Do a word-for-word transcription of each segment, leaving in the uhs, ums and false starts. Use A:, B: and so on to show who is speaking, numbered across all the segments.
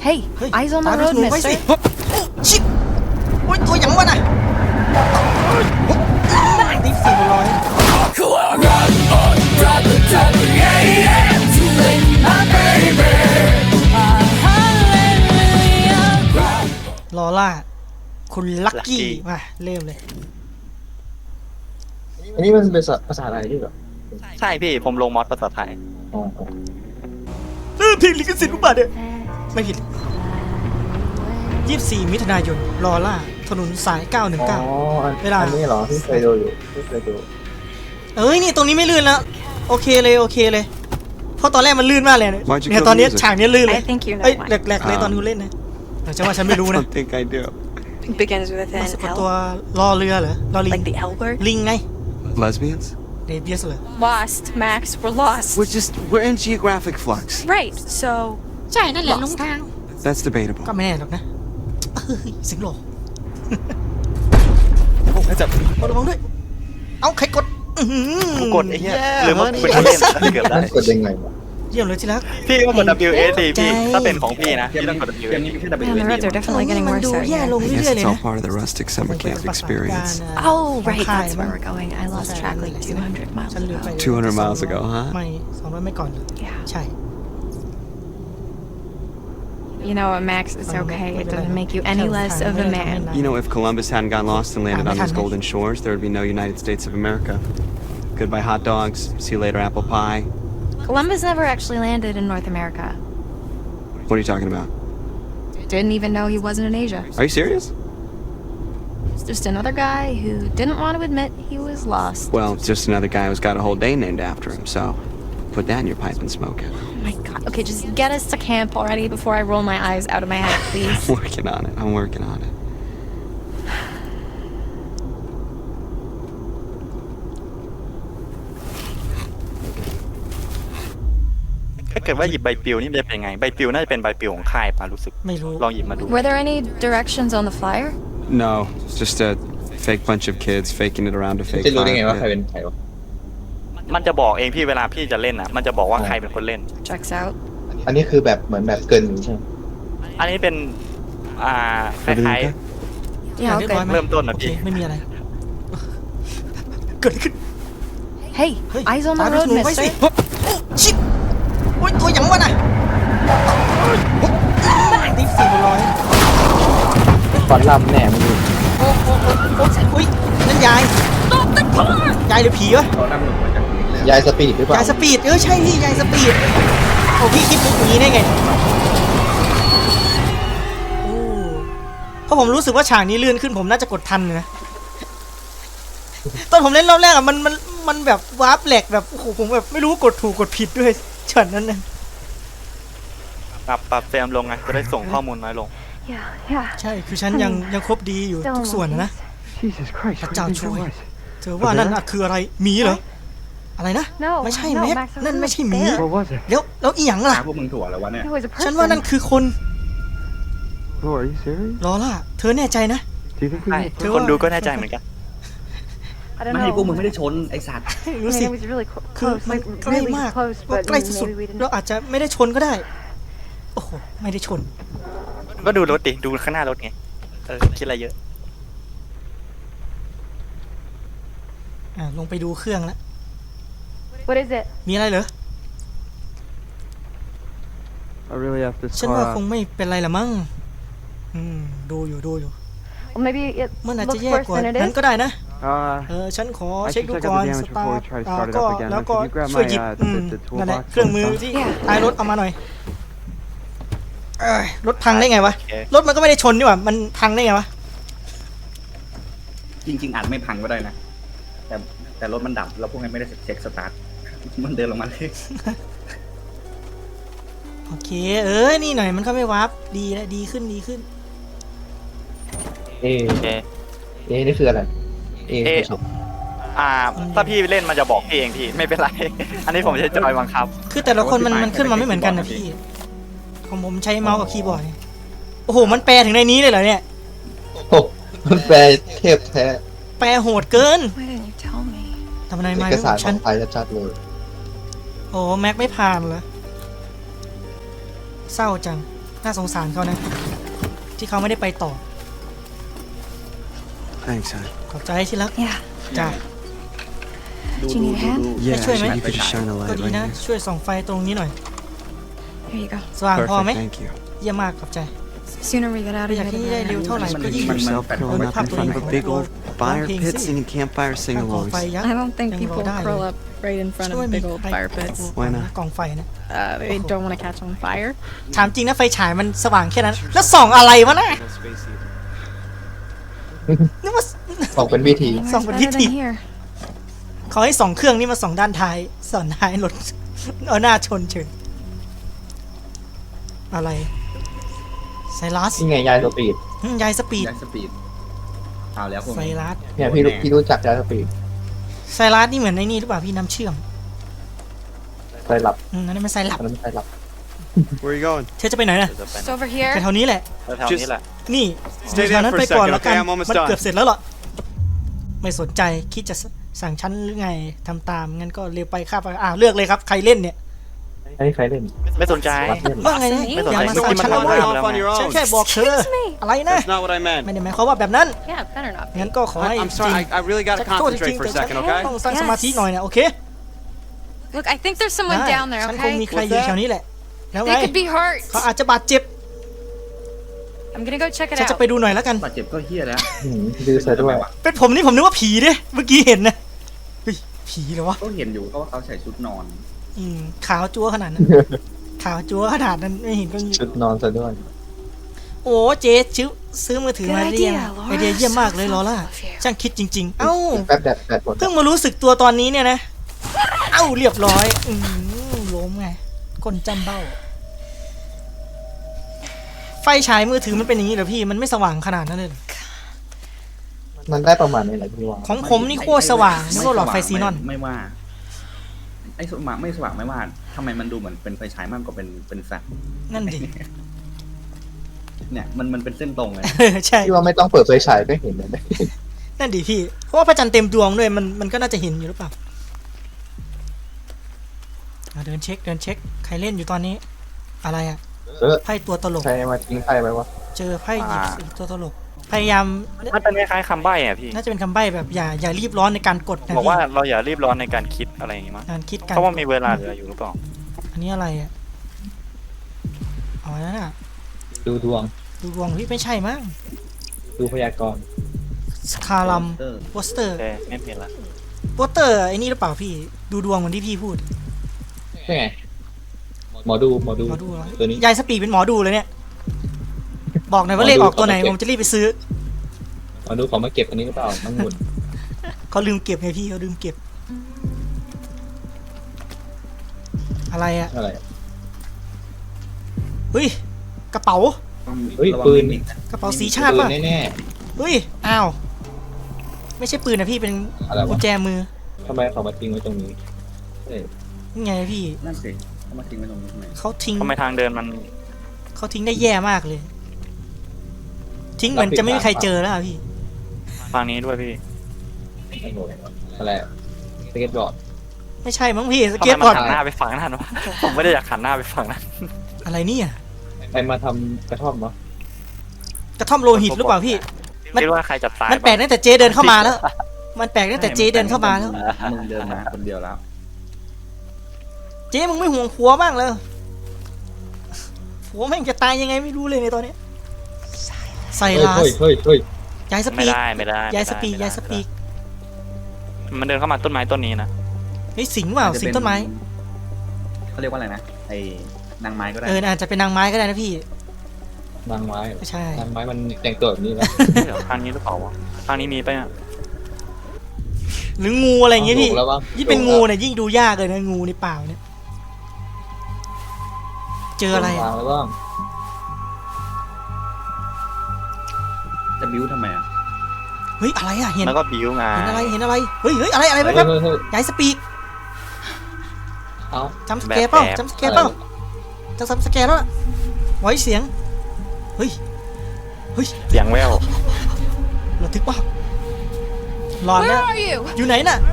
A: Hey, eyes on the road, mister.
B: ชิบโอ้ยตัวอย่างวะน่ะตีสี่ร้อยลอล่าคุณลักกี้มาเริ่มเลย
C: อันนี้มันเป็นภาษาอะไรด้วยเหรอ
D: ใช่พี่ผมลงมอสภาษาไทย
C: อ๋อ
B: เริ่มเพลงลิขสิทธิ์ปุ๊บอะเนี่ยไม่ผิดยี่สิบสี่มิถุนายนลอล่าถนนสายเก้าหนึ่ง
C: อ๋อ
B: เก้า
C: อัน
B: เวลา
C: อันนี้เหรอที่เคยดูอยู่ที่เคยดู
B: เอ้ยนี่ตรงนี้ไม่ลื่นแล้วโอเคเลยโอเคเลยเพราะตอนแรกมันลื่นมากเลยเนี่ยเนี่ยตอนนี้ฉากนี้ลื่นเลย
A: I think you know
B: เอ้ย
A: why.
B: แหลกๆเลยตอนกูเล่นนะแต่ฉันว่าฉันไม่รู้นะ
E: don't think I do.
A: Begins with
B: มัน
A: an
B: สะกดตัว
A: L,
B: รอเรือเหรอรอลิง
A: like the L word.
B: ลิงไง
E: Lesbians?
B: เดเบียสเลย
A: Lost, Max. We're lost.
E: We're just we're in geographic flux.
A: Right. So
B: ใช่นั่นแหละลงทาง
E: That's debatable.
B: ก็ไม่แน่หรอกนะเฮ้ยเสิงโล
D: โอ้ยจับ
B: กดระวังด้วยเอาใครกดอื้อหือ
D: กูกดไอ้เหี้ย
B: แย่
D: หรือว่าเป็นคนเล่นเกือบได้
C: มันกดยังไงวะ
B: เยี่ยมเลยที่รัก
D: พี่ก็กด W S D พี่ถ้าเป็นของพี่นะพี่ต้องกด W S D
A: man, the roads are definitely getting
B: มัน
A: worse
B: ดู
A: out
B: แย่
A: here.
B: ลง
E: I
B: เรื่
E: guess
B: อยๆเลย
E: it's all
B: นะ
E: part of the rustic summer camp experience.
A: Oh, right. That's where we're going. I lost track like two hundred miles
B: ฉันลืมไป
A: ago.
E: two hundred miles ago, huh?
B: ไม่สองร้อยไม่ก่อนเลย
A: Yeah.
B: ใช่
A: You know what, Max? It's okay. It doesn't make you any less of a man.
E: You know, if Columbus hadn't got lost and landed on those golden shores, there would be no United States of America. Goodbye hot dogs. See you later apple pie.
A: Columbus never actually landed in North America.
E: What are you talking about?
A: Didn't even know he wasn't in Asia.
E: Are you serious?
A: It's just another guy who didn't want to admit he was lost.
E: Well, just another guy who's got a whole day named after him, so put that in your pipe and smoke it.
A: Oh my god. Okay, just get us to camp already before I roll my eyes out of my head, please.
E: I'm working on it. I'm working on it.
D: ถ้าเกิดว่าหยิบใบปลิวนี่มันจะเป็นไงใบปลิวน่าจะเป็นใบปลิวของค่ายป่ะรู้สึก
B: ไม่รู้
D: ลองหยิบมาดู
A: Were there any directions on the flyer?
E: No, just a fake bunch of kids faking it around a fake
C: จะรู้ได้ไง
E: fire
C: ว่าใคร
E: pit.
C: เป็นใครวะ
D: มันจะบอกเองพี่เวลาพี่จะเล่นอ่ะมันจะบอกว่าใครเป็นคนเล่น
A: Checks out.
C: อันนี้คือแบบเหมือนแบบเกินอยู่ใช่ไหม
D: อันนี้เป็นอ่าคล้าย
A: Yeah,
B: เรียบร้อย
A: okay.
B: ไหม
D: เริ่มต้นนะ
B: โอเค
D: พี่
B: ไม่มีอะไร เกิดอะไรขึ้น
A: Hey,
B: เฮ้ย
A: eyes on
B: ตา
A: the
B: ดู
A: road,
B: หนูไว้สิ
A: mister.
B: ชิบโอ้ยตัวอย่างวะน่ะตีสี่ร้อย
C: ฟอนลำแน่มึงดู
B: โอ้โอ้โอ้โอ้อุ้ยนั่นยายยายหรือผีวะ
C: ยายสปีดหรือเปล่าย
B: ายสปีดเออใช่พี่ยายสปีดโอ้พี่คิดมุกอย่างนี้ได้ไงโอ้เพราะผมรู้สึกว่าฉากนี้ลื่นขึ้นผมน่าจะกดทันนะตอนผมเล่นรอบแรกอะมันมันมันแบบวาร์ปแหลกแบบโอ้โหผมแบบไม่รู้กดถูกกดผิดด้วยช็อตนั้นนะ
D: ปรับปรับเฟรมลงไงจะได้ส่งข้อมูลน้อยลง
A: Yeah, yeah.
B: ใช่คือฉันยังยังครบดีอยู่ทุกส่วนนะนะ
F: Jesus Christ, what do you think that was?
B: เธอว่านั่นอะคืออะไรหมีเหรออะไรนะ
A: No,
B: ไม่ใช่
A: no,
B: แม็ก
A: Max, that
B: นั่น
A: was
B: ไม่ใช่หมี
A: bear.
F: What was it?
B: แล้วแล้วอีหยังล่ะ
G: พวกมึงถั่วแล้ววะเนี่ย
A: It was a person.
B: ฉันว่านั่นคือคน
F: Oh, are you serious?
B: ลอล่าเธอแน่ใจนะ
F: Do you think we
D: ใช่
F: can
B: เธอ
D: คน
B: ว่า
D: ดูก็แน่ใจเหมือนกัน
A: I don't
G: ไม่
A: know.
G: พวกมึงไม่ได้ชนไอสัตว์
A: I
B: รู้
A: mean,
B: สิ
A: it was really clo-
B: คือ
A: close,
B: มัน
A: like
B: ใกล้
A: really
B: มาก
A: close,
B: ว่า
A: but
B: ใกล้สุด
A: maybe we
B: ๆเรา
A: didn't.
B: อาจจะไม่ได้ชนก็ได้ โอ้โหไม่ได้ชน
D: ก็ดูรถดิดูข้างหน้ารถไงเออคิดอะไรเยอะ
B: อ่าลงไปดูเครื่องแล้ว
A: What is it?
B: มีอะไรเหรอ
F: I really have to
B: ฉัน
F: car
B: ว่าค
F: out.
B: งไม่เป็นไรละมั้งอืมดูอยู่ดูอยู่
A: Well, maybe it
B: มันอาจจะ
A: looks
B: แย่
A: worse
B: กว่า
A: than it
B: นั้น
A: is.
B: ก็ได้นะ
F: Uh,
B: เออฉันขอ
F: I
B: เช็ค
F: should
B: ดู
F: check
B: ก่
F: out
B: อน
F: the
B: ส
F: damage
B: ตา
F: before
B: ร์
F: we
B: ท
F: try to
B: อ่า
F: start it
B: ก็
F: up again.
B: แล้วก็
F: Could you grab
B: ช่วย
F: my
B: หยิบ
F: uh
B: อืม
F: the, the
B: นั่นแหละ
F: toolbox?
B: เครื่องมือ
F: and stuff?
B: ที่
A: Yeah.
B: ท้ายรถเอามาหน่อยเอ้ยรถพังได้ไงวะ
D: โอเค
B: รถมันก็ไม่ได้ชนนี่หว่ามันพังได้ไงวะ
G: จริง ๆอาจไม่พังก็ได้นะ แต่แต่รถมันดับแล้วพวกนั้นไม่ได้เช็คสตาร์ท มันเดินลงมาเลย
B: โอเคเออนี่หน่อยมันก็ไม่วาร์ปดีแล้วดีขึ้นดีขึ้น
C: เอ
D: โอเค
C: เอนี่คืออะไรเอ
D: เอ
C: คือสุด
D: อ่าถ้าพี่เล่นมันจะบอกพี่เองพี่ไม่เป็นไร อันนี้ผมใช้จอยบังคับ
B: คือแต่ละคนมันมันขึ้นมาไม่เหมือนกันนะพี่ของผมใช้เมาส์กับคีย์บอร์ดโอ้โหมันแปลถึงในนี้เลยเหรอเนี่ย
C: โอ้มันแปลเทพแท้
B: แปลโหดเกิน
A: Why didn't you tell me?
B: ทำไม
C: เอ
B: ไม่
C: ก
B: รู้
C: สารข
B: ฉั
C: อน งไทยชัดๆเลย
B: โอ้แม็กไม่ผ่านเหรอเศร้าจังน่าสงสารเขานะ ที่เขาไม่ได้ไปต่อ
E: Thanks, hon.
B: ขอบใจที่รัก
A: Yeah.
B: จ้า
G: ดู
A: Do you
G: ดู
A: need a
G: ดู
A: hand?
G: ดู
E: Yeah,
B: sure,
E: actually,
B: mate.
E: you could just shine a
B: ก็
E: light
B: ดี
E: right
B: นะ
E: here.
B: ช่วยส่องไฟตรงนี้หน่อย
A: Here you go.
B: สว่างพอไหม
E: Perfect, thank you.
B: เยี่ยมมากขอบใจ
A: Sooner we get out of
B: อยาก
A: here,
B: ให้
A: the
B: ได้
A: better.
B: เร็วเท่าไหร่
G: มัน
B: ก็ยิ่ง
G: มัน
E: Yourself
G: แปด
E: curling up in front of a big old fire
B: Long
E: pit
B: things.
E: singing campfire
B: ตั้งกองไฟ
E: sing-alongs.
B: ยักษ์
A: I don't think
B: ยัง
A: people
B: รอได้
A: curl up right in front
B: ช่วย
A: of
B: มี
A: big old
B: ใคร
A: fire pits.
E: Why not?
B: กองไฟนะ
A: Uh, they don't want to catch on fire.
B: ถามจริงนะไฟฉายมันสว่างแค่นั้น แล้วส่องอะไรวะน่ะนึกว่า
C: ออกเป็นวิธี
A: Anywhere's
B: Someone
A: better
B: hit
A: than
B: you.
A: here.
B: เขาให้ส่องเครื่องนี่มาส่องด้านท้ายส่องท้ายรถ เอาหน้าชนเฉยอะไรไซรัส
C: นี่ไงยายสปีด
B: อืมยายสปีด
G: ย้ายสปีดเอาแล้วพวก
B: ไซ
G: นี้
B: รัส
C: เนี่ยพี่รู้พี่รู้จักยายสปีด
B: ไซรัสนี่เหมือนในนี่หรือเปล่าพี่น้ำเชื่อม
C: ไฟหลับ
B: อืมอันนั้นมันไซรัป
C: อันนั้นไม่ไฟหลับ
E: Where are you going?
B: เธอจะไปไหนน่ะ
D: เดี๋ยวจะไป
A: Just over here.
B: ไปแถวนี้แหละ
D: แถวๆนี้แหละ
B: นี่
E: Stay
B: แถว
E: there
B: นั้น
E: for
B: ไป
E: a
B: ก่อน
E: second,
B: แล้วกัน
E: okay? I'm almost
B: มัน
E: done.
B: เกือบเสร็จแล้วหรอไม่สนใจคิดจะสั่งชั้นหรือไงทำตามงั้นก็เร็วไปข้าไปอ้าวเลือกเลยครับใครเล่นเนี่ย
C: ไอ้ใครเล่น
D: ไม่สนใจ
C: รัดเล่น
B: ว่าไงนะ
D: ไม่สน
B: อ
D: ใจ
B: ย่ามา
D: เมื่อ
B: สั่
D: กี้
B: ง
D: มัน
B: ชั้น
D: ทำ
B: แล้ว
D: ได้
B: เว้ย
D: แล้ว
E: on your
B: ฉัน
E: own.
B: แค่บอกเธอ
A: Excuse me.
B: อะไรนะ
E: That's not what I
B: ไม่
E: meant.
B: ได้หมายความว่าแบบนั้น
A: Yeah, better not.
B: งั้นก็ขอให้
E: I- I'm sorry, I, I really got to
B: โทษจริ
E: concentrate
B: ง
E: for
B: ๆ
E: a
B: แต่ฉัน
E: second, okay?
B: ต้องสร้างสมาธิหน่อยนะโอเค
A: Look, I think there's someone
B: ได้
A: down there.
B: ฉันคง
A: Okay.
B: มีใครอยู่แถวนี้แหละแล้วไง
A: They could be hurt.
B: เขาอาจจะบาดเจ็บ
A: I'm gonna go check it
B: ฉันจะ
A: out.
B: ไปดูหน่อยแล้วกัน
G: บาดเจ็บก็เฮี้ยแล้ว
C: หืมดื้อซะด้วย
B: เป็นผมนี่ผมนึกว่าผีเด้เมื่อกี้เห็นนะเฮ้ยผีเหรอวะ
G: ก็เห็นอยู่ก็ว่าเขาใส่ชุดนอน
B: อืมขาวจั๊วขนาดนั้น ขาวจั๊วขนาดนั้นไม่เห็นก็
C: ชุดนอนซะด้วย
B: โอ้เจ๊ซื้อซื้อมือถือ
A: Good
B: มาเรียง
A: idea, Laura.
B: ไอเดียเยี่ยมมากเลยลอล่า
A: So thoughtful of you.
B: ช่างคิดจริง ๆ เอ้า
C: แป๊บแดดแดดหมด
B: เพิ่งมารู้สึกตัวตอนนี้เนี่ยนะ เอ้าเรียบร้อย อืมล้มไงคนจำเบ้า ไฟฉายมือถือมันเป็นอย่างนี้เหรอพี่ มันไม่สว่างขนาดนั้นเลยเหรอ
C: มันได้ประมาณนี้แหละพี่ว่า
B: ของผมนี่โคตรสว่างนึกว่าหลอดไฟซีนอน
G: ไม่ว่า ไอ้สว่างไม่สว่างไม่ว่าทำไมมันดูเหมือนเป็นไฟฉายมากกว่าเป็นเป็นแฟลช
B: นั่นดิ
G: เนี่ยมันมันเป็นเส้นตรงเลย
B: เออใช่
C: พี่ว่าไม่ต้องเปิดไฟฉายก็เห็นเลย
B: นั่นดิพี่ เพราะว่าพระจันทร์เต็มดวงด้วย มันมันก็น่าจะเห็นอยู่หรือเปล่าอ่ะเดินเช็คเดินเช็ค ใครเล่นอยู่ตอนนี้ อะไรอะ
C: เออ
B: ไพ่ตัวตลก
C: ใครมาทิ้งไพ่ไว้วะ
B: เจอไพ่หยิบสีตัวตลก พยายาม
D: มันเป็นคล้ายๆคำใบ้อะพี่
B: น่าจะเป็นคำใบ้แบบอย่าอย่ารีบร้อนในการกดนะ
D: บอก
B: พี่
D: ว่าเราอย่ารีบร้อนในการคิดอะไรอย่างงี้มั้ง
B: การคิดการ
D: เพราะว่ามีเวลาเหลืออยู่หรือเปล่า
B: อันนี้อะไรอ่ะอ๋อนั่นอ่ะ
C: ดูดวง
B: ดูดวงพี่ไม่ใช่มั้ง
C: ดูพยากรณ์
B: สคาลัม
G: เออ
B: โปสเตอร์
D: โอเคไม่เป็นละ
B: โปสเตอร์ไอ้นี่หรือเปล่าพี่ ดูดวงเหมือนที่พี่พูด
C: ใช่ไงหมอดูหมอดู
B: หมอดูเหรอ
C: ตัวนี้
B: ยายสปีดเป็นหมอดูเลยเนี่ย บอกหน่อยว่าเลขออกตัวไหน
C: หมอดู
B: ผมจะรีบไปซื้อ
C: หมอดูเขามาเก็บอันนี้หรือเปล่ามังมุน
B: เขาลืมเก็บไงพี่เขาลืมเก็บ อะไรอ่ะ
C: อะไร
B: เฮ้ยกระเป๋า
C: เฮ้ย
G: ระวัง
C: ปืน
G: มิกะ
B: กระเป๋าสีชาติ
C: ปื
B: ป่ะ
C: นแน่
B: เฮ้ยอ้าวไม่ใช่ปืนนะพี่เป็น
C: ๆอะไร
B: กุ
C: วะ
B: ญแจมือ
C: ทำไมเขามาทิ้งไว้ตรงนี้เอ้ย
B: นี่ไงพี่
G: นั่นสิเขามาทิ้งไว้ตรงนี้ทำไม
B: เขาทิ้ง
D: ทำไมทางเดินมัน
B: เขาทิ้งได้แย่มากเลย ทิ้งเหมือนจะไม่มีใครเจอแล้วอะพี่
D: ทางนี้ด้วยพี่
C: ไม่โหอะไรสเก็ตบอร์ด
B: ไม่ใช่มั้งพี่ส
D: ทำไม
B: เก็ต
D: มั
B: บอร์ด
D: นหันหน้าไปฝั่งนั้นวะผมไม่ได้อยากหันหน้าไปฝั่งนั้น
B: อะไรเนี่ย
C: ใครมาทำกระท่อมวะ
B: กระท่อมโลหิตหรือเปล่าพี่ มัน
D: คิดว่าใครจะตาย
B: มันแปลกตั้งแต่เจเดินเข้ามาแล้ว มันแปลกตั้งแต่เจเดินเข้ามาแล้ว
G: มึงเดินมาคนเดียวแล้ว
B: เจมึงไม่ห่วงผัวบ้างเลยผัวแม่งจะตายยังไงไม่รู้เลยในตอนเนี้ยไซ
C: เฮ้ย
B: รัส
C: เฮ้ยเฮ้ยเฮ้ย
B: ยายส
D: ไม่
B: ปีก
D: ได้ไม่ได้
B: ยายสปีก
D: ไม่ได้
B: ยายสปีก
D: มันเดินเข้ามาต้นไม้ต้นนี้นะ
B: เฮ้ยสิงเปล่า
G: อาจจะ
B: สิง
G: เป็น
B: ต้นไม้
G: เขาเรียกว่าอะไรนะไอ้นางไม้ก็ได้
B: เอออาจจะเป็นนางไม้ก็ได้นะพี่
C: นางไม้
B: ไม่ใช่
C: นางไม้มันแต่งตัวแบบนี้แล้ว
D: เดี๋ยวทางนี้หรือเปล่าวะทางนี้มีไปะเนี่ย
B: หรืองูอะไรอย่างเงี้ยพี่
C: ถูกแล้ววะ
B: ยิ่งเป็นงูเนี่ยยิ่งดูยากเลยนะงูในป่าเนี่ยเจออะไร
C: วา
B: อะ
C: งแล้วบ้าง
G: จะบิ้วทำไมอ่ะ
B: เฮ้ยอะไรอะเห็น
D: แล้วก็บิวไง
B: เห็นอะไรเห็นอะไรเฮ้ยเฮ้ยอะไรอะไร
C: เฮ้ย
B: แป๊บ
C: เฮ้ยเฮ้ย
B: ๆยายสปีก
C: เอา
B: จำสแกร์เปล่าจำสแกร์เปล่าจะจำสแกร์แล้วล่ะไว้เสียงเฮ้ยเฮ้ย
D: เสียงแวว
B: ระทึกป่ะหลอน
A: Where
B: นะ
A: are you?
B: อยู่ไหนน่ะ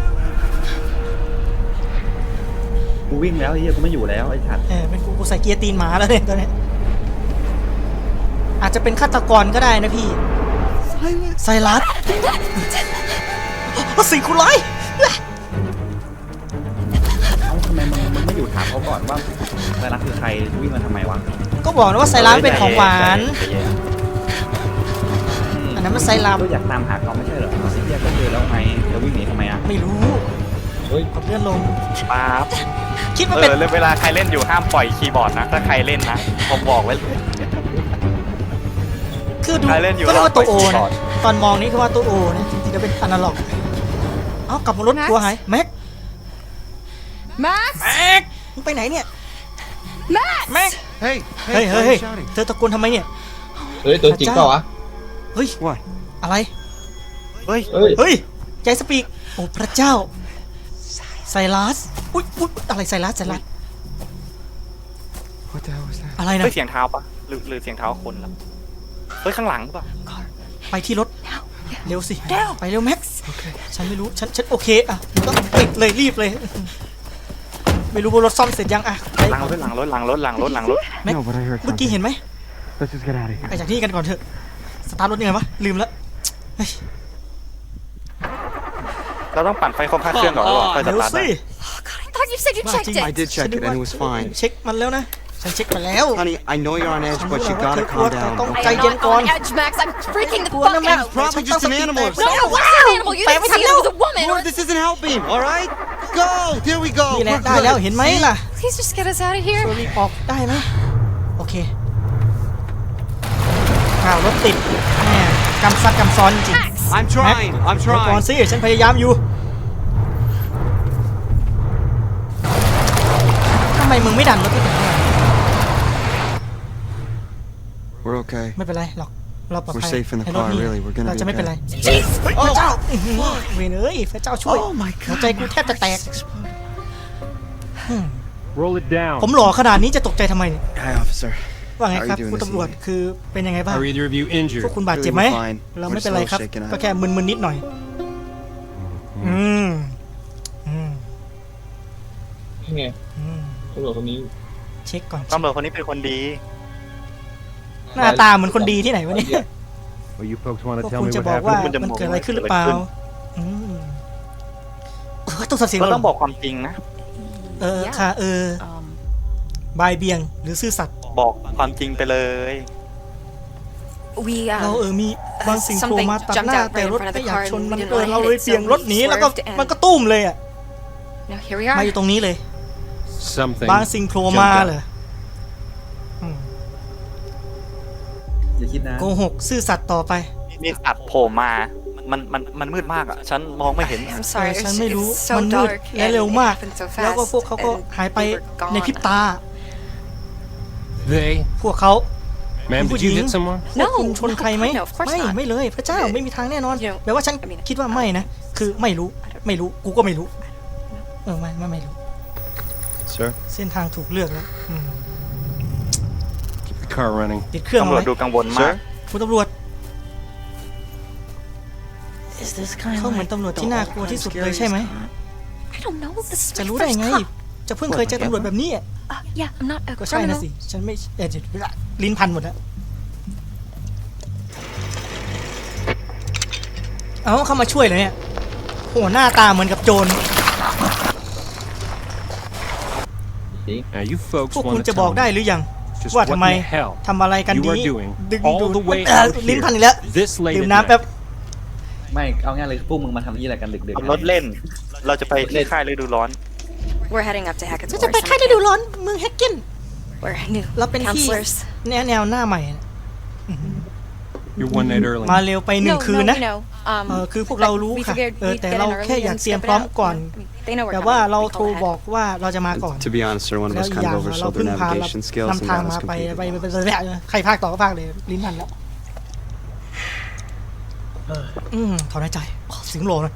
G: กูวิ่งแล้วไอ้เหี้ยกูไม่อยู่แล้วไอ้ฉัด
B: เออเป็นกูกูใส่เกียร์ตีนหมาแล้วเนี่ยตอนเนี้ยจจะเป็นฆาตกรก็ได้นะพี่ไซรัสสิ่งคุณร้าย
G: เอ้าทำไมมึงมึงไม่อยู่ถามเขาก่อนว่าไซรัสคือใครวิ่งมาทำไมวะ
B: ก็บอกนะว่าไซรัสเป็นของหวาน อันนั้นมันไซรัส
G: ก็อยากตามหาเขาไม่ใช่เหรอเอาสิเทียก็เจอแล้วไงแล้ววิ่งหนีทำไมอ่ะ
B: ไม่รู้
C: เฮ้ย
B: กดเลื่อนลง
D: ป๊าบ
B: คิด
D: เอ
B: ว่าเป็น
D: อเวลาใครเล่นอยู่ห้ามปล่อยคีย์บอร์ดนะถ้าใครเล่นนะผมบอกไว้เลย
B: คือดู
D: ใครเล่นอยู่
B: ก็เรียกว่าตัวโอ
D: รอบไป
B: นะ
D: ก่อน
B: ตอนมองนี้คือว่าตัวโอนะจริงๆจะเป็นอนาล็อก เอ้ากลับมารถทัวร์หายแม็ก
A: Max!
B: แม็กมึงไปไหนเนี่ย
A: Max!
B: แม็ก
E: Hey,
B: เฮ้ย
E: hey,
B: เฮ้ย
E: why
B: เฮ้
E: are
B: ย
E: you shouting?
B: เธอตะโกนทำไมเนี่ย
C: เฮ้ยตัวจริงเปล่าวะ
B: เฮ้ย
E: What?
B: อะไร
D: เฮ้ย
C: เฮ้ย
B: เฮ้ย ใจสปีก โอ้พระเจ้า ไซรัส อุ๊ยอุ๊ยอะไรไซรัสไซรัส
E: What the hell was that?
B: อะไรนะ
D: เฮ้ยเสียงเท้าปะหรือหรือเสียงเท้าคนล่ะเฮ้ยข้างหลังปะ
B: ไปที่รถ เร็วสิ ไปเร็วแม็กซ์ฉันไม่รู้ ฉัน ฉันโอเค อ่ะต้องติดเลยรีบเลย ไม่รู้ว่ารถซ่อมเสร็จยังอ่ะไป
D: หลังรถหลังรถหลังรถหลังรถหลังรถ
B: แม็ก
F: No, but I heard
B: เมื่อกี้
F: something.
B: เห็นไหม
F: Let's just get out of here.
B: ไปจากที่นี่กันก่อนเถอะ สตาร์ทรถยังไงวะ ลืมแล้วเฮ้ย
D: เราต้องปั่นไฟคอมค่าเครื่องก่อนหรอค่อยส
B: เร็ว
D: ตาร์ท
B: สิ
A: I thought you said you
B: ว่า
A: checked
B: จริง
A: it.
E: I did check it and it was fine.
B: เช็คมันแล้วนะ ฉันเช็คไปแล้ว
E: Honey, I know you're on edge,
B: ฉัน
E: but
B: รู้
E: you
B: แล้วว่าเธ
E: gotta
B: อกลัว
E: calm
B: แต่ต้อง
E: down.
B: ใจเย็น
A: I'm
B: ก่อน
A: on edge, Max. I'm freaking the
B: กลัว
A: fuck
B: นะแม็ก
A: out.
B: ซ์
E: Probably just an animal or
A: No,
E: something.
A: it wasn't an animal. You
B: Wait,
A: didn't
B: wait,
A: see it. It was a woman.
E: Lord, this isn't helping, all right? Go! There we go.
B: นี่แหละ
E: We're
B: ได้แล้ว
E: good.
B: เห็นไหมล่ะ
A: Please just get us out of here.
B: ช่วยรีบออกได้ไหมโอเคข่าวรถติดแหมกำซัดกำซ้อนจริง
A: Max!
E: I'm trying. I'm
B: เดี๋ยวก่อน
E: trying.
B: สิฉันพยายามอยู่ทำไมมึงไม่ดันรถที่ถึง
E: We're okay.
B: ไม่เป็นไรหรอกเราปลอดภัย
E: We're safe in the
B: ในรถ
E: car,
B: นี่
E: really. We're gonna
B: เรา
E: be
B: จะไม่เป็นไร
E: okay.
B: เฮ้ยพระเจ้าอื้อหือเวรเอ้ยพระเจ้าช่วย
E: Oh my
B: หัว
E: god.
B: ใจกูแทบจะแตก
F: Roll it down.
B: ผมหล่อขนาดนี้จะตกใจทำไมเนี่ย
E: Hi, officer.
B: ว่าไง
E: How are
B: ครับ
E: you doing
B: คุณ
E: this
B: ตำรวจ
E: evening?
B: คือเป็นยังไงบ้าง
H: Are either of you
B: พวก
H: injured?
B: คุณบาดเจ็บไหม
E: Really, we're fine.
B: เรา
E: We're
B: ไม่
E: just
B: เป็น
E: a
B: ไร
E: little
B: ครับ
E: shaken
B: ก็
E: up.
B: แค่มึนๆนิดหน่อย อืมอืม
C: นี่ไง
B: อืม
C: ตำรวจคนนี้
B: เช็คก่อน
D: ตำรวจคนนี้เป็นคนดี
B: หน้าตาเหมือนคนดีที่ไหนวะเนี่ย
F: Well, you folks want
B: พว
F: to
B: ก
F: tell
B: คุณ
F: me
B: จะ
F: what
B: บอกว่า
F: happened?
D: คุณจะ
B: มัน
D: บอก
B: เกิดอะไรขึ้นหรือเปล่า
D: เกิดอะไรขึ้
B: อืมเออต้องสับเสียง
D: เรา
B: เหร
D: ต้องบอกความจริงนะ
B: เออค่ะเออ
A: Um,
B: บายเบียงหรือซื่อสัตย์
D: บอกความจริงไปเลย
A: we,
B: เรา
A: uh,
B: เออมีบางสิ่งโผล่มาตัดหน้า
A: Something jumped out
B: แต่รถ
A: right in front of
B: ไม่
A: the
B: อยาก
A: car
B: ชน
A: and
B: มัน
A: we didn't
B: เออ
A: wanna
B: เรา
A: hit
B: เลย
A: it,
B: เบี่ยง
A: so
B: รถ
A: we
B: หนีแล้วก็
A: swerved and
B: มันก็ตุ้มเลยอ่ะ
A: now here we
B: มา
A: are.
B: อยู่ตรงนี้เลย
H: Something.
B: บางสิ่งโผล่มาเหรออืม
G: อย่าคิดนะ
B: โกหกซื่อสัตย์ต่อไป
D: มีสัตว์โผล่มา มันมันมันมืดมากอ่ะ ฉันมองไม่เห็น
A: I'm
B: เอ
A: sorry.
B: อ
A: It's,
B: ฉันไม่รู้
A: it's so
B: มันมืด
A: dark
B: และ
A: and
B: เร็ว
A: it
B: มาก
A: happened so
B: แล้วก็
A: fast
B: พวกเขาก็
A: and
B: หายไป
A: we were
B: ในพริบ
A: gone.
B: ตา
H: They?
B: พวกเขา
H: Ma'am,
B: Who
H: did you
B: did?
H: hit someone?
B: พวกคุณชนใครไหม
A: No, of course
B: ไม่
A: not.
B: ไม่เลยพระเจ้าไม่มีทางแน่นอน
A: You know,
B: แปลว่าฉัน
A: I mean,
B: คิดว่าไม่นะ คือไม่รู้ไม่รู้กูก็ไม่รู้เออไม่ไม่ไม่รู้
E: Sir?
B: เส้นทางถูกเลือกแล้วอืม
H: Keep the car running.
B: ปิดเครื่อง
D: ตำ
B: เอา
D: รวจ
B: ไว้
D: ดูกังวลมาก
B: คุณตำรวจเขาเหมือนตำรวจที่น่ากลัวที่สุดเลยใช่ไหม
A: I don't know. This is
B: จะ
A: my
B: รู้ได้
A: first
B: ไง
A: cop.
B: จะเพิ่งเคยเจอตำรวจแบบนี้อะ
A: Uh, yeah, I'm not a
B: ก็ใช่นะ
A: criminal.
B: สิฉันไม่เออเดี๋ยวลิ้นพันหมดแล้วเอาเข้ามาช่วยเลยเนี่ยโหหน้าตาเหมือนกับโจร
H: Now, you folks
B: พวกคุณ
H: want
B: จะ
H: to
B: บอก
H: tell
B: ได้
H: me
B: หรือยัง
H: just
B: ว่า
H: what
B: ทำ
H: in
B: ไม
H: the hell
B: ทำอะไรกัน
H: you
B: ดี
H: are doing
B: ดึง
H: all
B: ดู
H: the way
B: เอ่อ
H: out
B: ลิ้น
H: here
B: พันอีกแล้ว
H: this late
B: ดื่ม
H: at
B: น้ำแป๊บ
H: night?
G: ไม่เอาง่ายเลยพวกมึงมาทำที่อะไรกันดึกๆ
D: ขับรถเล่น เราจะไปที่ค่ายฤดูร้อน
A: We're heading up to Hackett's
B: จะ
A: War
B: จะไปค่ายฤ
A: Cemetery.
B: ดูร้อนเมืองแฮกเกน
A: We're new
B: เราเป็นที่
A: counselors.
B: แนวแนวหน้าใหม่นะ
H: You're one night early.
B: มาเร็วไปหนึ่ง
A: No,
B: คืน
A: no,
B: นะ
A: we know. Um,
B: เออคือพวกเรารู้
A: we
B: ค่ะ
A: figured
B: เออ
A: we'd
B: แต่
A: get
B: เรา
A: in early
B: แค่อยาก
A: and
B: เตรียม
A: scope
B: พร้อม
A: it out.
B: ก่อน
A: I mean, they know we're
B: แต่ว่า
A: coming.
B: เรา
A: We
B: โทร
A: call ahead.
B: บอกว่าเราจะมาก่อน
E: To be honest, sir, one of
B: แล้ว
E: us
B: อีก
E: kind
B: อย่าง
E: of
B: เรา
E: oversold
B: เพิ่
E: their
B: งพาเรา
E: navigation skills and
B: นำทาง
E: got
B: มา
E: us
B: ไป
E: completely.
B: ไปไปไปไปใครภาคต่อก็ภาคเลยลิ้นพันแล้วอืมถอนหายใจอ๋อเสียงโหลนะ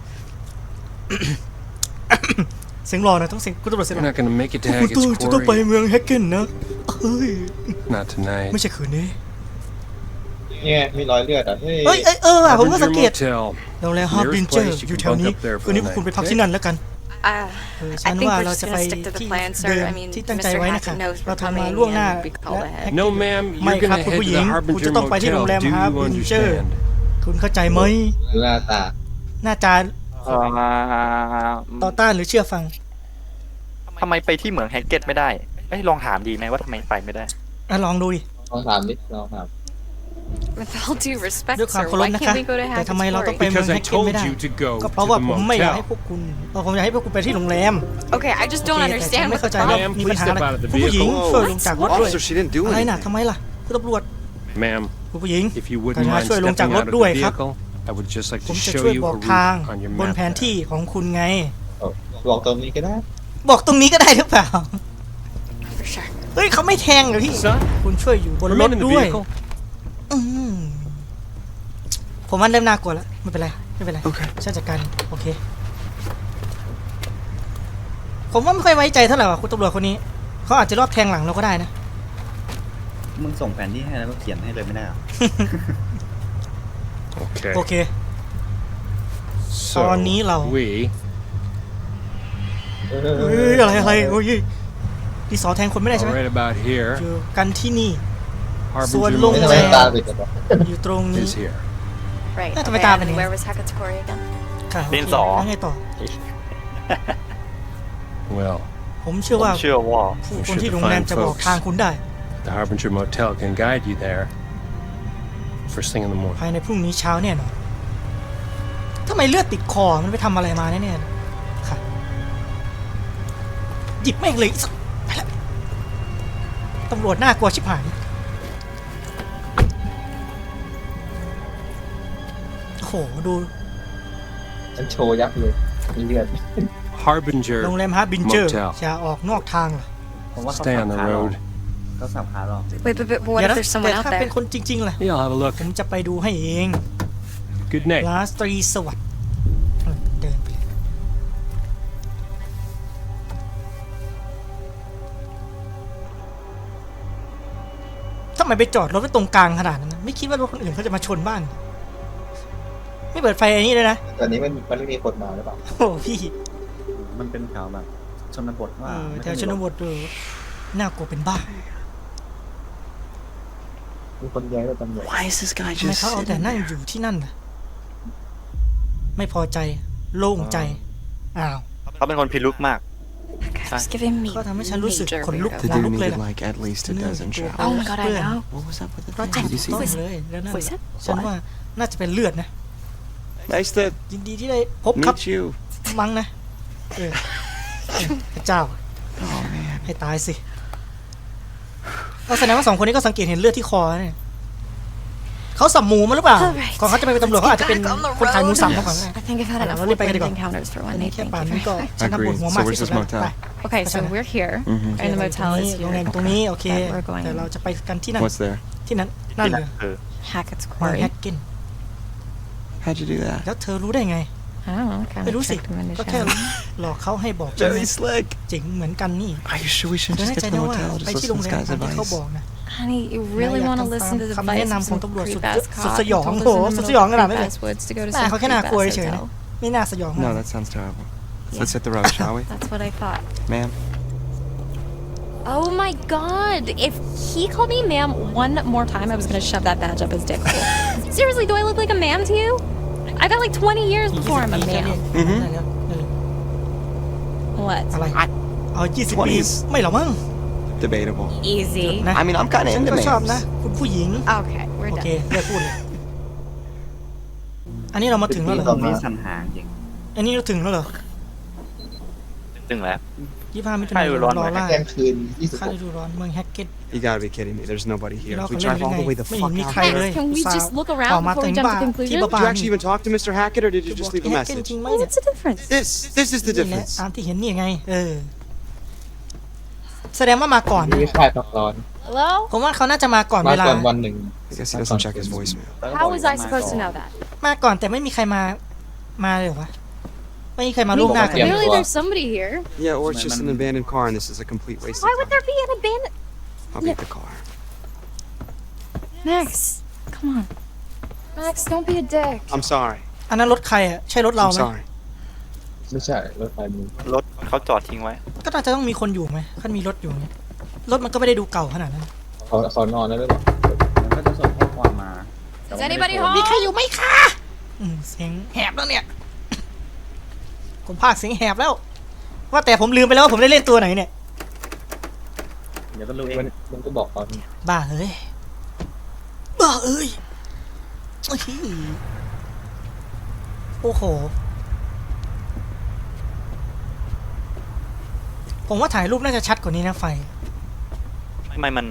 B: เสียงโหลนะต้องเสียงคุณตำรวจเสียง
H: You're not gonna make it to
B: คุณต้อง
H: Hackett's
B: จะต้องไป
H: Quarry.
B: เมืองแฮกเกนนะเฮ้ย
H: Not tonight.
B: ไม่ใช่คืนนี้
C: เนี่ยมีรอยเลือดอ่ะเฮ้ย
B: เอ้ยเอ้ยเออว่ะผมก็สัง
H: Harbinger
B: เกต
H: Motel.
B: โรงแรมฮาร์บินเจอร์อยู่แถวนี้คืนนี้พวกคุณไปพักที่นั่นแล้วกัน
A: Uh,
B: เออ
A: I
B: ฉัน
A: think
B: ว่า
A: we're
B: เรา
A: just
B: จะไป
A: gonna stick to the
B: ที่
A: plan,
B: เดิ
A: sir.
B: ม
A: I mean,
B: ที่ตั้งใจ
A: Mister
B: ไว้นะ
A: Hackett
B: คะ
A: knows
B: เรา
A: we're
B: ทำมา
A: coming
B: ล่วงหน้า
A: and we call
B: และ
A: ahead.
H: No, ma'am.
B: ไม่
H: You're
B: ครับ
H: gonna
B: คุณ
H: head
B: ผู้
H: to
B: หญิง
H: the
B: คุณจะ
H: Harbinger
B: ต้องไปที่โรงแรม
H: Motel. Do
B: ฮาร์
H: you
B: บินเจอร์
H: understand?
B: คุณเข้าใจไหม
C: ดูหน้าตา
B: หน้าจา
D: เอ่อ
B: ต่อต้านหรือเชื่อฟัง
D: ทำไมไปที่เหมืองแฮกเก็ตไม่ได้เอ้ยลองถามดีไหมว่าทำไมไปไม่ได้
B: อ่ะลองดูดิ
C: ลองถามดิลองถาม
A: With all due respect,
B: ด้วยความ
A: sir,
B: เคารพ
A: why
B: นะ
A: can't
B: คะ
A: we go to
B: แต่ทำไม
A: Hackett's
B: เราต้องไป
A: Quarry?
B: เมือง
H: Because
B: แฮ
H: I
B: กเก็ตไม่
H: told
B: ได้
H: you to go
B: ก็
H: to
B: เพราะว่า
H: the
B: ผมไม่อยากให้
H: motel.
B: พวกคุณเออผมอยากให้พวกคุณไปที่โรงแรม
A: Okay, I just
B: โอ
A: don't
B: เคแต่ฉัน
A: understand
B: ไม่
A: what
B: เข้า
A: the
B: ใจว่า
A: problem.
H: Ma'am,
B: มีปัญ
H: please
B: หา
H: step
B: อะไร
H: out of the
B: คุณผู้หญิง
H: vehicle.
B: ช่วยลงจากรถด้วย
E: Officer, she didn't do
B: อะไรน่ะ
E: anything.
B: ทำไมล่ะคุณตำรวจ
H: Ma'am,
B: คุณผู้หญิง
H: if you wouldn't
B: กรุณา
H: mind
B: ช่วยลงจาก
H: stepping
B: ร
H: out
B: ถ
H: of
B: ด้วย
H: the
B: ครับ
H: vehicle, I would just like
B: ผ
H: to
B: มจะ
H: show
B: ช่วย
H: you
B: บ
H: a
B: อกทาง
H: route on your
B: บน
H: map.
B: แผนที่ของคุณไง
C: เออบอกตรงนี้ก็ได้
B: บอกตรงนี้ก็ได้หรือเปล่า
A: For sure.
B: เฮ้ยเขาไม่แทงเหรอพี่
H: Son,
B: คุณช่วยอยู่บนรถ
H: remain in the
B: ด้วย
H: vehicle.
B: อืมผมว่าเริ่มน่ากลัวแล้วไม่เป็นไรไม่เป็นไร
E: โอเค
B: ฉันจัดการโอเค ผมว่าไม่ค่อยไว้ใจเท่าไหร่ว่ะคุณตำรวจคนนี้เขาอาจจะรอบแทงหลังเราก็ได้นะ
G: มึงส่งแผนที่ให้แล้วก็เขียนให้เลยไม่ได้เหรอ
H: Okay.
B: โอเค
H: So,
B: Tony Lau.
H: we
C: เอ
B: เฮ้ยอะไรอะไรโอ้ยดีสอแทงคนไม่ได้ใช่ไหม
H: are right about here.
B: อยู่กันที่นี่
H: Harbinger
B: Soan
C: ไม่
B: Lung
C: ทำ
H: Motel
C: ไมตาปิดกันวะ
B: อยู่ตรงนี้
H: is here.
A: Right.
B: That's
A: Okay,
B: what happened
A: and
B: here.
A: where was Hackett's Quarry again?
B: ค่ะโอเค
D: ดินสอ
B: แล้วไงต่อ
H: Well,
B: ผมเชื่อ
D: ผม
B: ว่า
D: เชื่อว่า
B: ผู้คนที่โรงแรมจะบอกทางคุณได้
H: the Harbinger Motel can guide you there. First thing in the morning.
B: ภายในพรุ่งนี้เช้าแน่นอนทำไมเลือดติดคอมันไปทำอะไรมาแน่ๆค่ะหยิบแม่งเลยอีสักไปละตำรวจน่ากลัวชิบหายโอ้โหดู
C: ฉันโชว์ยับเลยมีเลือด
H: Harbinger
B: โรงแรมฮาร์บินเจอร์
H: Motel.
B: อย่าออกนอกทางเหรอ
G: ผมว่าเขา
H: Stay
G: สั
H: on
G: บ
H: the
G: ขาหรอก
H: road.
G: เขาสับขาหรอก
A: Wait, but, but what
B: เดี๋ยว
A: if
B: นะ
A: there's
B: แต่
A: someone out
B: ถ้าเป็น
A: there?
B: คนจริงๆล่ะ
H: Yeah, I'll have a look.
B: ผมจะไปดูให้เอง
H: Good night.
B: ลาสตรีสวัสดิ์เออเดินไปเลยทำไมไปจอดรถไว้ตรงกลางขนาดนั้นนะไม่คิดว่ารถคนอื่นเขาจะมาชนบ้าง ไม่เปิดไฟอันนี้เลยนะ
C: ตอนนี้มันมันไม่มีคนมาหรือเปล่า
B: โอ้พี่
G: มันเป็นแถวแบบชนบท
B: เอ
G: ว่า
B: อ
G: ไม่
B: แถ
G: ได้
B: ว
G: มี
B: ชนบทดูน่ากลัวเป็นบ้า
C: มีคนแย้งกับตำรวจ
E: Why is this guy
B: ทำไม
E: just
B: เขาเอาแต่
E: sitting
B: นั่ง
E: there?
B: อยู่ที่นั่นนะไม่พอใจ โล่งใจ อ้าว
D: เขาเป็นคนพิรุธมาก
A: That guy was giving me
B: ก็ทำให้ฉันรู้สึก
A: major
B: ขนลุก
A: weirdo
E: 'The
B: ขน
E: dude
B: ลุกเลย
E: needed
B: ล่ะ
E: like at least a dozen showers.
A: Oh my god, I know.
E: What was up with the
B: เพราะ
E: thing?
B: จับ
E: Did you see
B: ต้อง
E: it?
B: เลยแล้วนั่น
A: Was it?
B: ฉันว่าน่าจะเป็นเลือดนะ
E: Nice to
B: ยินดีที่ได้พบครับ
E: meet you.
B: มั้งนะเออพระเจ้า
E: Oh man.
B: ให้ตายสิก็แสดงว่าสองคนนี้ก็สังเกตเห็นเลือดที่คอเนี่ยเขาสับหมูมาหรือเปล่า
A: Alright.
B: ก่อนเขาจะไปเป็นตำรวจเขาอาจจะเป็น
A: Let's get back on the
B: คนขายหมูสับ
A: road.
B: มาก่อนก็ได้
A: I think I've had enough
B: Let's get back
A: woodland
B: on.
A: encounters for
B: อั
A: one
B: นนี้
A: night.
B: แค่
A: Thank
B: ป่าน
A: you
B: นี้
A: very
B: ก็
A: much.
B: ฉันทำปวดหัวมาก
E: Agreed. So
B: ที่สุด
E: where's
B: แล้ว
E: this
B: ไป
E: motel?
A: Okay, so
B: Okay.
A: we're here,
E: Mhm.
A: and the
B: โรงแรม
A: motel
B: ตรง
A: is
B: นี้โรงแรม
A: here.
B: ตรงนี้โอเค
A: That we're going
B: แต่เราจะไปกันที่นั่น
E: What's there?
B: ที่นั้นนั่น
D: ที่
B: เล
D: นั่น
B: ย
D: คือ
A: Hackett's
B: เมือง
A: Quarry.
B: แฮกเกน
E: How'd you do that?
B: แล้วเธอรู้ได้ไง
A: I don't know. Kind
B: ไม่
A: of
B: รู้สิ
A: tricked him into
B: ก็แค่
A: showing.
B: หลอกเขาให้บอกใช่ไหม
E: Very slick.
B: เจ๋งเหมือนกันนี่
E: Are you sure we
B: เธ
E: shouldn't
B: อ
E: just
B: แน่
E: get
B: ใจ
E: to the
B: นะว่า
E: motel?
B: ไป
E: Just
B: ที่
E: listen
B: โร
E: to
B: ง
E: this
B: แรม
E: guy's
B: ตามที่เขา
E: advice.
B: บอกนะ
A: Honey, you really
B: Naya
A: want to
B: tama-
A: listen to the
B: kami
A: advice
B: na
A: of
B: ng
A: some
B: tungkol sa-
A: creep-ass
B: sa-
A: cop
B: sa
A: who
B: yong
A: told us
B: ko,
A: in the
B: sa
A: middle of
B: sayong
A: the
B: nga namin
A: creep-ass woods to go to
B: แต่
A: some
B: เขาแค่น่ากลัว
A: creep-ass
B: เฉยๆนะ
A: hotel.
B: ไม่น่าสยอง
E: No, that sounds terrible. Let's hit the road, shall we?
A: That's what I thought.
E: Ma'am?
A: Oh my god! If he called me ma'am one more time, I was gonna shove that badge up his dick hole. Seriously, do I look like a ma'am to you? I got like twenty years before I'm a ma'am.
E: Mhm.
B: เออ
A: What?
B: อะไรเอายี่สิบปี
E: twenties
B: ไม่หรอกมั้ง
E: Debatable.
A: Easy.
B: นะ
E: I mean, I'm kind of
B: ฉัน
E: into
B: ก็ชอบนะ
E: males.
B: คุณผู้หญิง
A: Okay, we're
B: โอเค
A: done.
B: เลิกพูดเลย อันนี้เรามาถึงแล้วเหรอ
G: ตรงนี้สันหางจริง
B: อันนี้เราถึงแล้วเหรอ
D: ถึงแล้ว
B: ยี่สิบห้ามิถุ
D: ใช่
B: นายน
D: ร้อน
B: รอ
D: ไหม
B: ล่า
C: แกงคืนยี่สิบ
B: ค่า
C: หก
B: ฤดูร้อนเมืองแฮกเก็ต
E: You gotta be kidding me. There's nobody here.
B: เรา
E: We
B: เขาเล่น
E: drive
B: ยัง
E: all
B: ไง
E: the way the
B: ไม่
E: fuck
B: เห็นมี
E: out
B: ใคร
E: here.
B: เลย
A: Can we just look around
B: ออกมา
A: before we
B: ถึง
A: jump to
B: บ้าน
A: conclusions?
B: ที่บ้า
E: Did you
B: น
E: actually even talk to Mister Hackett, or did you just leave a
B: แฮกเก็ต
E: message?
B: จริงไหม
A: Well,
B: เนี่ย
A: what's the difference?
E: This, this is the
B: นี่แหละ
E: difference.
B: ตามที่เห็นนี่ไง เออ แสดงว่ามาก่อน
C: นี่คลายพักร้อน
A: Hello?
B: ผมว่าเขาน่าจะมาก่อน
C: มา
B: เวลา
C: ก่อนวันหนึ่ง
E: I guess he doesn't check his voicemail.
A: How was I supposed to know that?
B: มาก่อนแต่ไม่มีใครมา มาเลยเหรอวะ ไม่มีใครมาล่วงหน้ากัน
C: Yeah.
A: Clearly, there's somebody here.
E: Yeah, or it's just an abandoned car, and this is a complete waste
A: Why
E: of
A: would
E: time.
A: there be an abandoned?
E: I'll beat the car.
A: Max, come on. Max, don't be a dick.
E: I'm sorry.
B: อันนั้นรถใครอ่ะ ใช่รถเรา
E: I'm
B: ไหม
E: sorry.
C: ไม่ใช่รถไฟมึง
D: รถเขาจอดทิ้งไว้
B: ก็น่าจะต้องมีคนอยู่ไหมถ้ามีรถอยู่เนี่ยรถมันก็ไม่ได้ดูเก่าขนาดนั้น
C: เขาเขานอนแล้วหรือเปล่า
G: มันก็จะส่งข้อความมาแต่ว่าไม่ได้
A: Is anybody
G: โทร
A: home?
B: มีใครอยู่ไหมคะอืมเสียงแหบแล้วเนี่ย ผมพากย์เสียงแหบแล้ว ว่าแต่ผมลืมไปแล้วว่าผมได้เล่นตัวไหนเนี่ย
G: เดี๋ยวก็รู้เอง
C: มันมันก็บอกตอน
B: บ้าเอ้ย บ้าเอ้ยโอ้โหโอ้โห ผมว่าถ่ายรูปน่าจะชัดกว่านี้นะไฟ
D: ทำไมมัน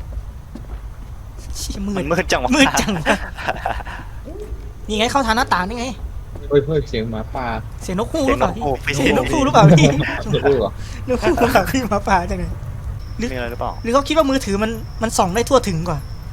B: เชี่ยมื
D: มั
B: ด
D: นมืดจังวะ
B: มืดจังวะนี่ไงเข้าทางหน้าต่างนี่ไง
C: เฮ้ยเฮ้ยเสียงหมาป่า
B: เสียงนกฮูก
D: เสี
B: ห
D: ย
B: รื
D: ง
B: อน เปล่าก พี่
D: โอ้ไม่
B: เสี
D: ใช่
B: ยงน
D: น
B: ก
D: ก
B: ฮู
D: ฮู
B: ก
D: ก
B: หรือเปล่าพี่
C: จะรู้เหรอน
B: กฮูกหรือเปล่าพี่หมาป่าจังไงหรือ
D: มีอะไรหรือเปล่า
B: หรือเขาคิดว่ามือถือมันมันส่องได้ทั่วถึงกว่า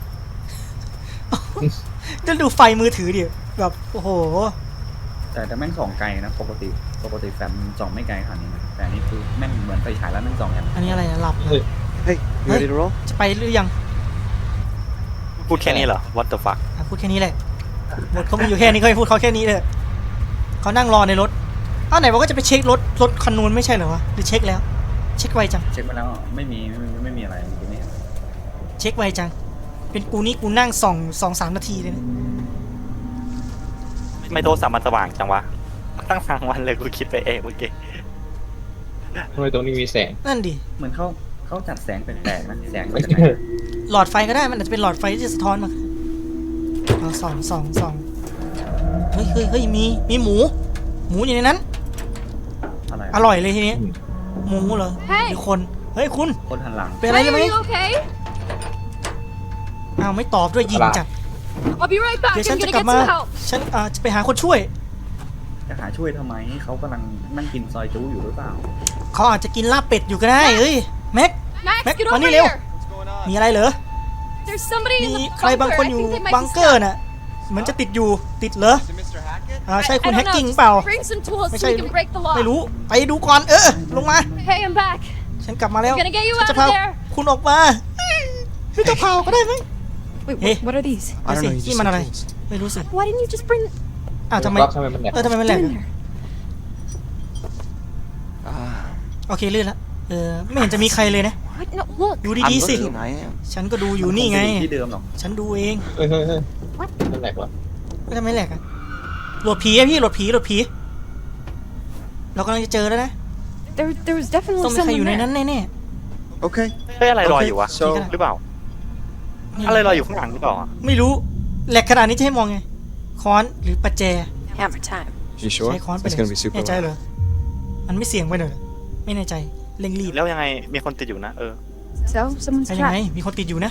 B: จะดูไฟมือถือดิแบบโอ้โห
G: แต่แต่แม่งส่องไกลนะปกติปกติแฟมมันส่องไม่ไกลขนาดนี้นะแต่อันนี้คือแม่งเหมือนไฟฉายแล้วแม่งส่องอย่าง
B: อันนี้อะไรอะหลับเหรอ
E: Hey, you ready to roll?
B: จะไปหรือยัง
D: พูดแค่นี้เหรอ what the fuck
B: อ่ะพูดแค่นี้แหละบทเขามีอยู่แค่นี้เขาให้พูดเขาแค่นี้เลยเขานั่งรอในรถอ้าวไหนบอกว่าจะไปเช็ครถรถคันนู้นไม่ใช่เหรอวะหรือเช็คแล้ว เช็คไวจัง
G: เช็คมาแล้วไม่มีไม่มีไม่มีอะไรเมื่อกี้นี่
B: เช็คไวจัง เป็นกูนี่กูนั่งส่องสองสามนาทีเลยนะ
D: ไม่โทรศัพท์มันสว่างจังวะ ตั้งทางวันเลยกูคิดไปเองเมื่อกี้
C: ทำไมตรงนี้มีแสง
B: นั่นดิ
G: เหมือนเขาเขาจัดแสงแปลกๆนะแสงมาจากไหน
B: หลอดไฟก็ได้มันอาจจะเป็นหลอดไฟที่จะสะท้อนมาเอาส่องส่องส่องเฮ้ยเฮ้ยเฮ้ยมีมีหมู หมูอยู่ในนั้น
G: อะไร
B: อร่อยเลยทีนี้หมูเหรอ
A: เฮ้ย
B: หรือคนเฮ้ยคุณ
G: คนหันหลัง
B: เป็นอะไร
A: Hey,
B: หรือไหม
A: are you okay?
B: อ้าวไม่ตอบด้วยยิงจัด
A: I'll be right back.
B: เดี๋ยวฉัน
A: I'm
B: จะ
A: gonna
B: กลับ
A: get
B: มา
A: some help.
B: ฉันอ่าจะไปหาคนช่วย
G: จะหาช่วยทำไมเขากำลังนั่งกินซอยจูอยู่หรือเปล่า
B: เขาอาจจะกินลาบเป็ดอยู่ก็ได้เฮ้ยแม็ก
A: Max,
B: Mac,
A: get
B: มา
A: over
B: นี่เร็ว
A: here.
B: มีอะไรเหรอ
A: There's somebody
B: มี
A: in the
B: ใครบาง
A: bunker.
B: คน
A: I
B: อยู่
A: think they might
B: บัง
A: be
B: เกอร์
A: stuck.
B: น่ะเหมือนจะติดอยู่ติดเหรออ่าใช่
A: I-
B: คุณ
A: I
B: แฮ
A: don't
B: กกิ้ง
A: know.
B: เปล่า
A: Bring some tools
B: ไม่
A: so
B: ใช่
A: we can break the
B: ไม่
A: lock.
B: รู้ไปดูก่อนเออลงมา
A: Hey, I'm back.
B: ฉันกลับมาแล้ว
A: I'm gonna get you
B: ฉัน
A: out
B: จะ
A: of
B: พา
A: there.
B: คุณออกมาไม่ต้องเผาก็ได้ไหม
A: Wait,
B: Hey.
A: what, what are these?
B: I
E: I don't know. You
B: นี่
E: just
B: มัน
E: said
B: อะไร
E: tools.
B: ไม่รู้สิ
A: Why didn't you just bring
B: อ้าวทำไม
C: รับทำไมมันแหลก
B: เออทำไมมันแหลก
A: them in there?
E: Ah,
B: โอเคลื่นละเออไม่เห็นจะมีใครเลยนะ
A: What? No, look.
B: ดู
E: I'm
B: ดีๆสิ
E: looking. I am.
B: ฉันก็ดูอยู่นี่ไง
G: มัคจะที่เดิมหรอก
B: ฉันดูเอง
C: เฮ้ยเฮ้ยเฮ้ยมันแหลกวะ
B: ก็ทำไมแหลกอะโหลดผีอะพี่โหลดผีโหลดผีเรากำลังจะเจอแล้วนะ
A: There, there was
B: ต้
A: definitely
B: องมีใคร
A: someone
B: อยู่ใน
A: there.
B: นั้นแน่
E: Okay.
D: เฮ้ยอะไรลอยอยู่วะ
E: So,
D: หรือเปล่า
B: ๆ
D: อะไรลอยอยู่ข้างหลังหรือเปล่าอะ
B: ไม่รู้แหลกขนาดนี้จะให้มองไงค้อนหรือประแจ
A: Hammer time.
E: you sure?
B: ใช้ค้อนไป
E: It's
B: เลย
E: gonna be super
B: แน่ใจ
E: loud.
B: เหรอมันไม่เสี่ยงไปหน่อยเหรอไม่แน่ใจเร่งรีบ
D: แล้วยังไงมีคนติดอยู่นะ เออ
A: So, someone's
B: ใช่ยังไง
A: trapped.
B: มีคนติดอยู่นะ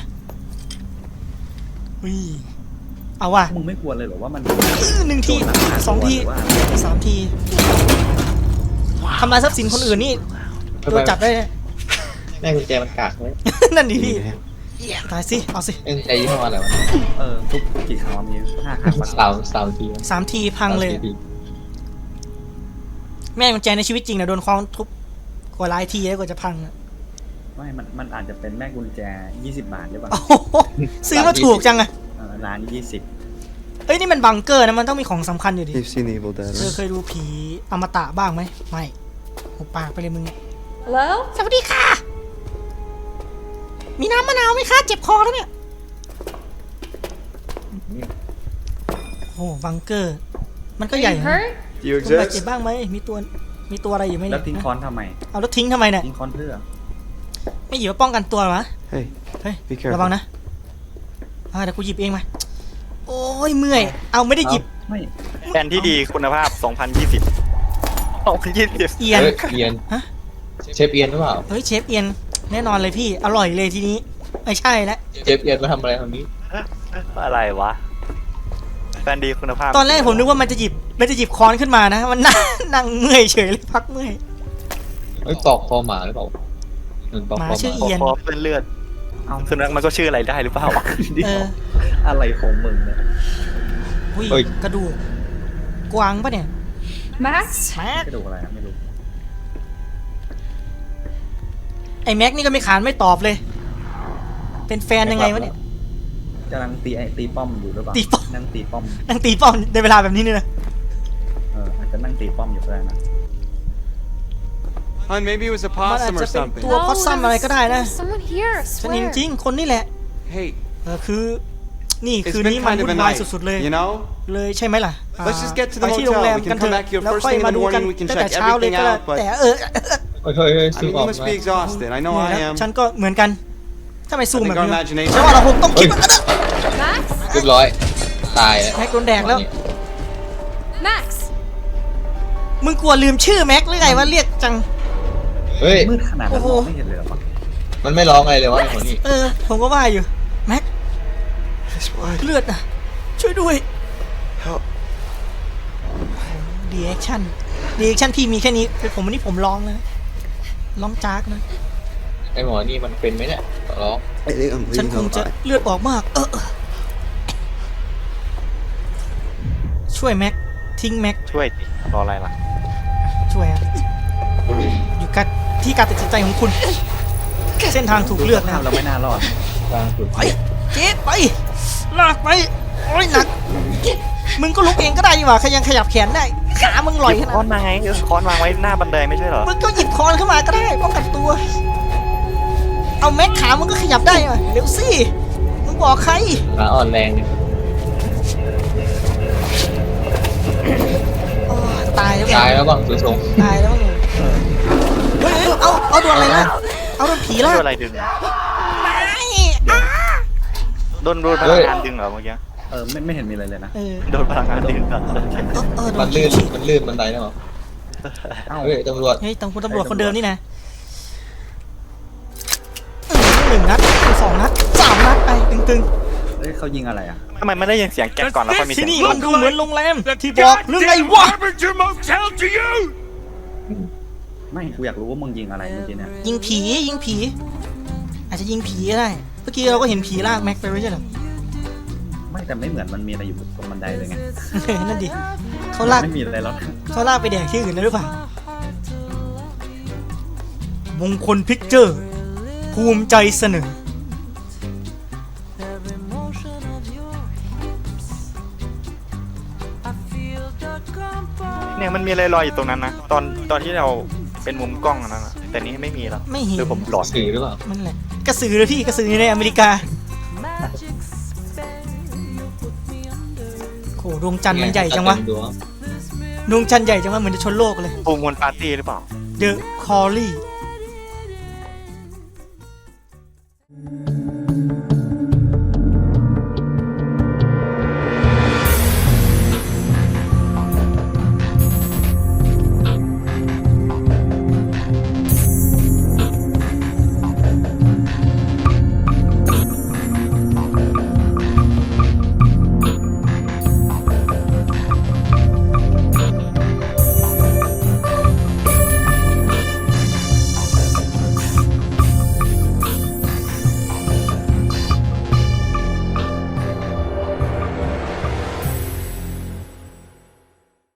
B: อุ้ยเอาว่ะ
G: มึงไม่กลัวเลยเหรอว่ามัน
B: หนึ่งที
G: โดนลักพา
B: สองที
G: ตัวหรือว่า
B: สามทีทำลายทรัพย์สินคนอื่นนี่โดนจับได้
C: แม่กุญแจมันกากไหม
B: นั่นดิพี่
E: Yeah.
B: ตายสิเอาสิ
C: เอ็นใจยี่ห้ออะไรวะ
G: เออทุกทุกกี่ครั้งวะมีห้าครั้งปะ
C: สาวสาวที
B: สามทีพังเลย
C: สาวที
B: แม่กุญแจในชีวิตจริงนะโดนค้อนทุบกว่าหลายทีแล้วกว่าจะพังอะ
G: ไม่มันมันอาจจะเป็นแม่กุญแจยี่สิบบาทหรือเปล่า
B: โอ้โหซื้อมาถูกจังอะ
G: เออร้านยี่สิบ
B: เอ้ยนี่มันบังเกอร์นะมันต้องมีของสำคัญอยู่ดิ
E: You've seen the Evil Dead,
B: เธอ
E: right?
B: เคยดูผีอมตะบ้างไหมไม่หุบปากไปเลยมึงเนี่ย
A: Hello?
B: สวัสดีค่ะ มีน้ำมะนาวไหมคะเจ็บคอแล้วเนี่ยโอ้โหบังเกอร์ มันก็ใหญ่
A: You
B: นะ
A: hurt?
E: Do you
B: คุณบาดเจ็บ
E: exist?
B: บ้างไหมมีตัวมีตัวอะไรอยู่ไหม
G: แล้
B: เนี่
G: วย ทิ้งคอนทำไม
B: เอาแล้วทิ้งทำไมเนี่ย
G: ทิ้งคอนเพื่อ
B: ไม่หยิบมาป้องกันตัวเหรอวะ
E: Hey,
B: เฮ้ย
E: be careful.
B: ระวังนะอ่าเดี๋ยวกูหยิบเองมาโอ้ยเมื่อยเอาไม่ได้หยิบ
G: ไม่
D: แผนที่ดีคุณภาพ สองพันยี่สิบ สองพันยี่สิบ
B: เอียน
C: เฮ้ยเอียน
B: ฮะ
C: เชฟเอียนหรือเปล่า
B: เฮ้ยเชฟเอียนแน่นอนเลยพี่อร่อยเลยทีนี้ไม่ใช่แล้ว
C: เชฟเอียนมาทำอะไรตรงนี้
D: อะไรวะแฟนดีคุณภาพ
B: ตอนแรกผมนึกว่ามันจะหยิบมันจะหยิบค้อนขึ้นมานะมันนั่งนั่งเมื่อยเฉยเลยพักเมื่อย
C: เฮ้ยปอกคอหมาหรือเปล่าเหมือนปอก
B: ห
C: ค
B: มา
C: อห
B: ชื่อ
C: มา
B: เอียน
D: พอเป็นเลือด
G: เอา
D: สุนัขมันก็ชื่ออะไรได้หรือเปล่า
G: เดี๋ย
B: เอ
G: ว
B: อ
G: อะไรของมึงเนี่ย
B: อุ้ยกระดูกกวางปะเนี่ย
A: Max?
B: แม็ก
G: กระดูกอะไรอะไม่รู้
B: ไอ้แม็กนี่ก็ไม่ขานไม่ตอบเลย เป็นแฟนยังไงวะเนี่ย
G: กำลังตีไอตีป้อมอยู่หรือเปล่า
B: ตีป้อม
G: นั่งตีป้อม
B: นั่งตีป้อมในเวลาแบบนี้เนี่ยนะ
G: เอออาจจะนั่งตีป้อมอยู่ก็ได้นะ
E: Hun, maybe it was a
B: มันอาจ
E: possum
B: จะ
E: or
B: เป็น
E: something.
B: ตัวพอสซัมอะไรก็ได้นะ
A: There's someone here. I
B: ฉันเห็น
A: swear.
B: จริงคนนี่แหละ
E: Hey,
B: เออคือนี่
E: it's
B: คืน
E: been
B: นี้มัน
E: kind of
B: วุ่
E: a
B: นวาย
E: night,
B: สุดๆเลย
E: you know?
B: เลยใช่ไหมล่ะ
E: Let's just get to
B: ไป
E: the
B: ที่โรงแร
E: hotel.
B: ม
E: We
B: กัน
E: can
B: เถ
E: come
B: อะ
E: back here
B: แล้ว
E: first
B: ค่อย
E: thing in
B: มา
E: the
B: ดูกัน
E: morning. We can
B: ตั้งแต่
E: check
B: เช้าเลย
E: everything
B: ก็ได้
E: out. But
B: แต่เออ
C: เฮ้ยเฮ้ยเฮ้ย
E: I
C: ซูม
E: mean,
C: ออ
E: you
C: ก
E: must
C: มา
E: be exhausted. I know
B: เนี่ย
E: I
B: นะ
E: am.
B: ฉันก็เหมือนกันถ้าไม่ซูม
E: I
B: แบ
E: think
B: บ
E: our
B: นี้
E: imagination.
B: ฉันว่าเราคงต้องคิดว่า
A: Max?
C: เรียบร้อย ตายแล้ว
B: แม็กโดนแดกแล้ว
A: Max?
B: มึงกลัวลืมชื่อแม็กหรือไงว่าเรียกจัง
C: เฮ้ย
G: มืดขนาดนั้น
B: โอ้
G: ม
B: โห
G: องไม่เห็นเลยเหรอวะ
C: มันไม่ร้องอะไรเลยวะไอ้คนนี้
B: เออ ผมก็ว่าอยู่ แม็ก เลือดอ่ะ ช่วยด้วยดีแอคชั่นดีแอคชั่นพี่มีแค่นี้เป็นผมวันนี้ผมร้องเลยร้องจากนะ
C: ไอ้หมอนี่มันเป็นไหมเนี่ยร้อง
E: I think I'm
B: ฉัน
E: bleeding
B: คง
E: a
B: จะ
E: lot.
B: เลือดออกมาก เออเออช่วยแม็ก ทิ้งแม็ก
D: ช่วยดิรออะไรล่ะ
B: ช่วยอ่ะ อยู่กับที่การตัดสินใจของคุณ เส้นทางถูกเลือกแล้ว
G: เราไม่น่ารอด
C: กลางสุด
B: ไปเจ๊ไป ลากไป โอ้ยหนัก มึงก็ลุกเองก็ได้ดีกว่าขยังขยับแขนได้ ขามึงลอย
D: หยิ
B: ข
D: บ
B: นาด
D: ค้อน
B: นั้น
D: มาไงเออค้อนวางไว้หน้าบันไดไม่ใช่เหรอ
B: มึงก็หยิบคอนขึ้นมาก็ได้ป้องกันตัว เอาแม็กขามึงก็ขยับได้มาเร็วสิ มึงบอกใคร
C: ขาอ่อนแรงเนี่ย
B: โอ้ยตายแล้วไง
C: ตายแล้วบ้างดูทรง
B: ตายแล้วไงเฮ้ยเฮ้ยเอา เอาโดนอะไรนะเอาโดนผีล่ะ
D: โดนอะไรดึง
B: ไม่อ้า
D: โดนโดนพลังงานดึงเหรอเมื่อกี้
G: เออไม่ไม่เห็นมีอะไรเลยนะ
B: เออ
D: โดนพลังงานดึงเหรอ
B: เออเออโด
C: มัน
B: น
C: ลื่น
B: ฉีด
C: มันลื่นบันไดนะหรอ
G: เอ้า
C: เฮ้ยตำรวจ
B: เฮ้ยตำรวจตำรวจคนเดิมนี่นะเออหนึ่งนัดสองนัดสามนัดไปตึง
G: เฮ้ยเขายิงอะไรอ่ะ
D: ทำไมไม่ได้ยินเสียงแก๊กก่อนแล้วค่อยมี
B: ๆ
D: เสี
B: ที่
D: ยง
B: นี่มันดูเหมือนโรงแรมที่บอกเรื่องไงวะ
G: ไม่กูอยากรู้ว่ามึงยิงอะไรเมื่อกี้เนี่ย
B: ยิงผียิงผี อาจจะยิงผีก็ได้ เมื่อกี้เราก็เห็นผีลากแม็กไปไม่ใช่เหรอ
G: ไม่แต่ไม่เหมือนมันมีอะไรอยู่ตรงบันไดเลยไง
B: นั่นดิเขาลาก
G: ไม่มีอะไรแล้วนะ
B: เขาลากไปแดกที่อื่นแล้วหรือเปล่า มงคลพิกเจอร์ ภูมิใจเสนอ
D: เนี่ยมันมีอะไรลอยอยู่ตรงนั้นนะ ตอนตอนที่เราเป็นมุมกล้องอันนั้นนะแต่นี้ไม่มีแล้ว
B: ไม่เห็น
D: หรือผมหลอน
C: สื่อหรือเปล่า
B: มันแหละกระสือเลยพี่กระสือในอเมริกาโหดวงจันทร์มันใหญ่จังวะ
C: ดูว่า
B: ดวงจันทร์ใหญ่จังวะเหมือนจะชนโลกเลย
D: ฟูมูลปาร์ตี้หรือเปล่า
B: The Callie